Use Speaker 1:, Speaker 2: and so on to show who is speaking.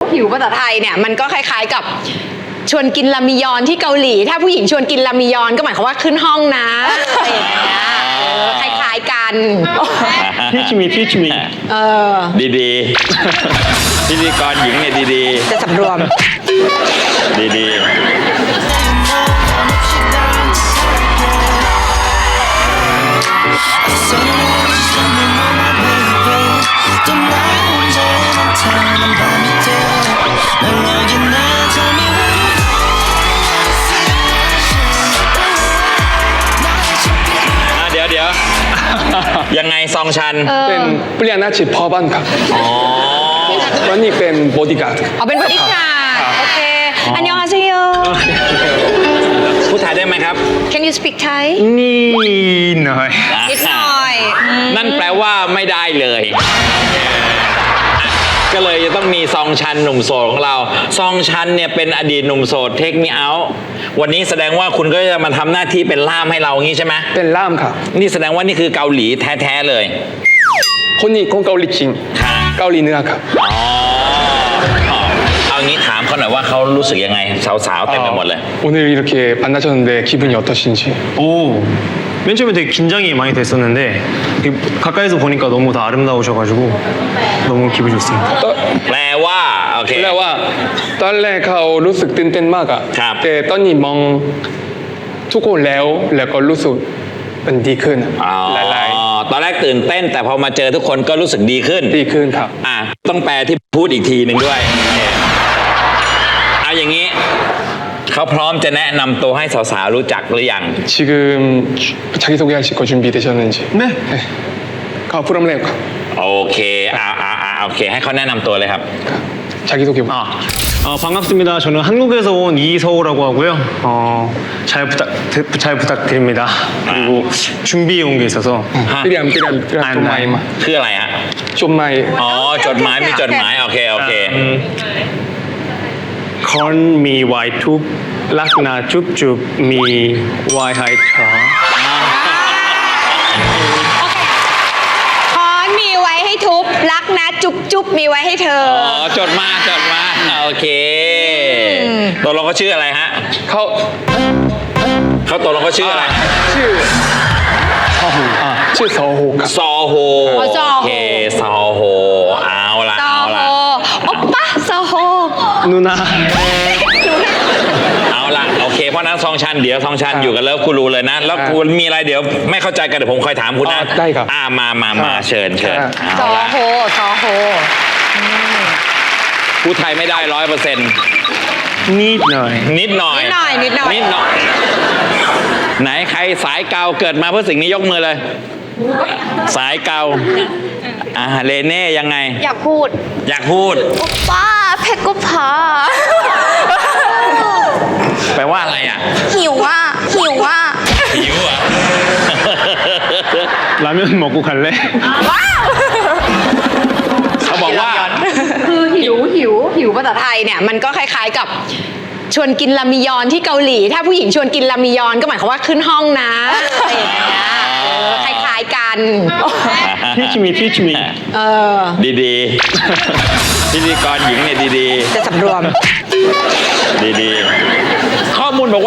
Speaker 1: หิวภาษาไทยเนี่ยมันก็คล้ายๆกับชวนกินรามยอนที่เกาหลีถ้าผู้หญิงชวนกินรามยอนก็หมายความว่าขึ้นห้องนะอะไรอย่างเงี้ยคล้ายๆกัน
Speaker 2: teach me
Speaker 3: ดีๆพิธีกรหญิงเนี่ยดี
Speaker 1: จะสำรวม
Speaker 3: ๆดีๆเดี๋ยวยังไงซองชัน
Speaker 2: เป็นเปลี่ยนหน้าจิตพ่อบ้านครับ
Speaker 3: อ๋อ
Speaker 2: วันนี้เป็นบอดี้การ์ด
Speaker 1: เอาเป็นบริการโอเคอันยองฮาเซโย
Speaker 3: พูดไทยได้ไหมครับ
Speaker 1: Can you speak Thai
Speaker 2: นี่หน่อย
Speaker 1: นิดหน่อย
Speaker 3: นั่นแปลว่าไม่ได้เลยก็เลยจะต้องมีซองชันหนุ่มโสดของเรา ซองชันเนี่ยเป็นอดีตหนุ่มโสดเทคมีเอาวันนี้แสดงว่าคุณก็จะมาทำหน้าที่เป็นล่ามให้เรางี้ใช่ไหม
Speaker 2: เป็นล่ามครับ
Speaker 3: นี่แสดงว่านี่คือเกาหลีแท้ๆเลย
Speaker 2: คนนี้คนเกาหลีจริง
Speaker 3: ค่ะ
Speaker 2: เกาหลีเหนือครับ
Speaker 3: อ๋อเอางี้ถามเขาหน่อยว่าเขารู้สึกยังไงสาวๆเต็มไปหมดเลย
Speaker 2: 오늘 이렇게 만나셨는데 기분이 어떠신지?
Speaker 4: 오, 맨 처음에 되게 긴장이 많이 됐었는데 가까이서 보니까 너무 다 아름다우셔가지고 너무 기분이 좋습니다.
Speaker 3: แปลว่าโอเค
Speaker 2: แปลว่าตอนแรกเขารู้สึกตื่นเต้นมากอะ
Speaker 3: ครับ
Speaker 2: แต่ตอนนี้มองทุกคนแล้วก็รู้สึกมันดีขึ้นอะ
Speaker 3: อ๋อ
Speaker 2: หลาย
Speaker 3: ตอนแรกตื่นเต้นแต่พอมาเจอทุกคนก็รู้สึกดีขึ้น
Speaker 2: ๆดีขึ้นครับ
Speaker 3: ต้องแปลที่พูดอีกทีหนึ่งด้วยเอาอย่างนี้เขาพร้อมจะแนะนำตัวให้สาวๆรู้จักหรือยัง
Speaker 2: 지금 자기소개하실 거 준비되셨는지?
Speaker 4: 네.
Speaker 2: 가 프롬레오
Speaker 3: โอเคโอเคให้เขาแนะนำตัวเลยครับ
Speaker 2: 자기소개
Speaker 4: 반갑습니다. 저는 한국에서 온 이서우라고 하고요. 잘 부탁드립니다. 그리고 준비해 온 게 있어서
Speaker 2: 삐리암 좀 많이
Speaker 3: คืออะไรฮะ
Speaker 2: 좀 많이
Speaker 3: อ๋อจดหมายมีจดหมายโอเค
Speaker 4: Call me Y2 락나 줍줍 me Y 하이차
Speaker 1: ค้อนมีไว้ให้ทุบรักนะจุ๊บมีไว้ให้เธอ
Speaker 3: อ๋อจดมาโอเคตกลงเขาชื่ออะไรฮะ เขาตกลงเขาชื่ออะไร
Speaker 2: ชื่อซอโฮครับ
Speaker 3: ซอโฮ
Speaker 1: อ๋อซอโฮ
Speaker 3: โอเคซอโฮเอาละ
Speaker 1: ซอโฮโอปปะซอโฮ
Speaker 4: 누나
Speaker 3: เอาละโอเคเพราะนั้นซองชันเดี๋ยวซองชันอยู่กันแล้วคุณรู้เลยนะ แล้วคุณมีอะไรเดี๋ยวไม่เข้าใจกันเดี๋ยวผมคอยถามคุณนะ
Speaker 2: ได้ครับ
Speaker 3: มาเชิญ
Speaker 1: ซ
Speaker 3: เอา
Speaker 1: อ
Speaker 3: ละ
Speaker 1: โฮ
Speaker 3: พูดไทยไม่ได้100%
Speaker 4: 니너이
Speaker 3: นิดหน่อย
Speaker 1: นิดหน่อย
Speaker 3: ไหนใครสายเกาเกิดมาเพื่อสิ่งนี้ยกมือเลย สายเกาเลเน่ยังไง
Speaker 1: อยากพูด
Speaker 3: อยากพูด
Speaker 1: โอปป้าเพกกุพา
Speaker 3: แปลว่าอะไรอ่ะ
Speaker 1: หิวอ่ะ
Speaker 3: หิวอ่ะ
Speaker 4: 라면 먹고 갈래?
Speaker 1: ว้าว
Speaker 3: เขาบอกว่า
Speaker 1: คือหิวภาษาไทยเนี่ยมันก็คล้ายๆกับชวนกินรามยอนที่เกาหลีถ้าผู้หญิงชวนกินรามยอนก็หมายความว่าขึ้นห้องนะอะไรอย่างเงี้ยคล้ายๆกัน
Speaker 4: teach me
Speaker 3: ดีๆพิธีกรหญิงเนี่ยดี
Speaker 1: จะสำรวม
Speaker 3: ๆข้อมูลบอกว่า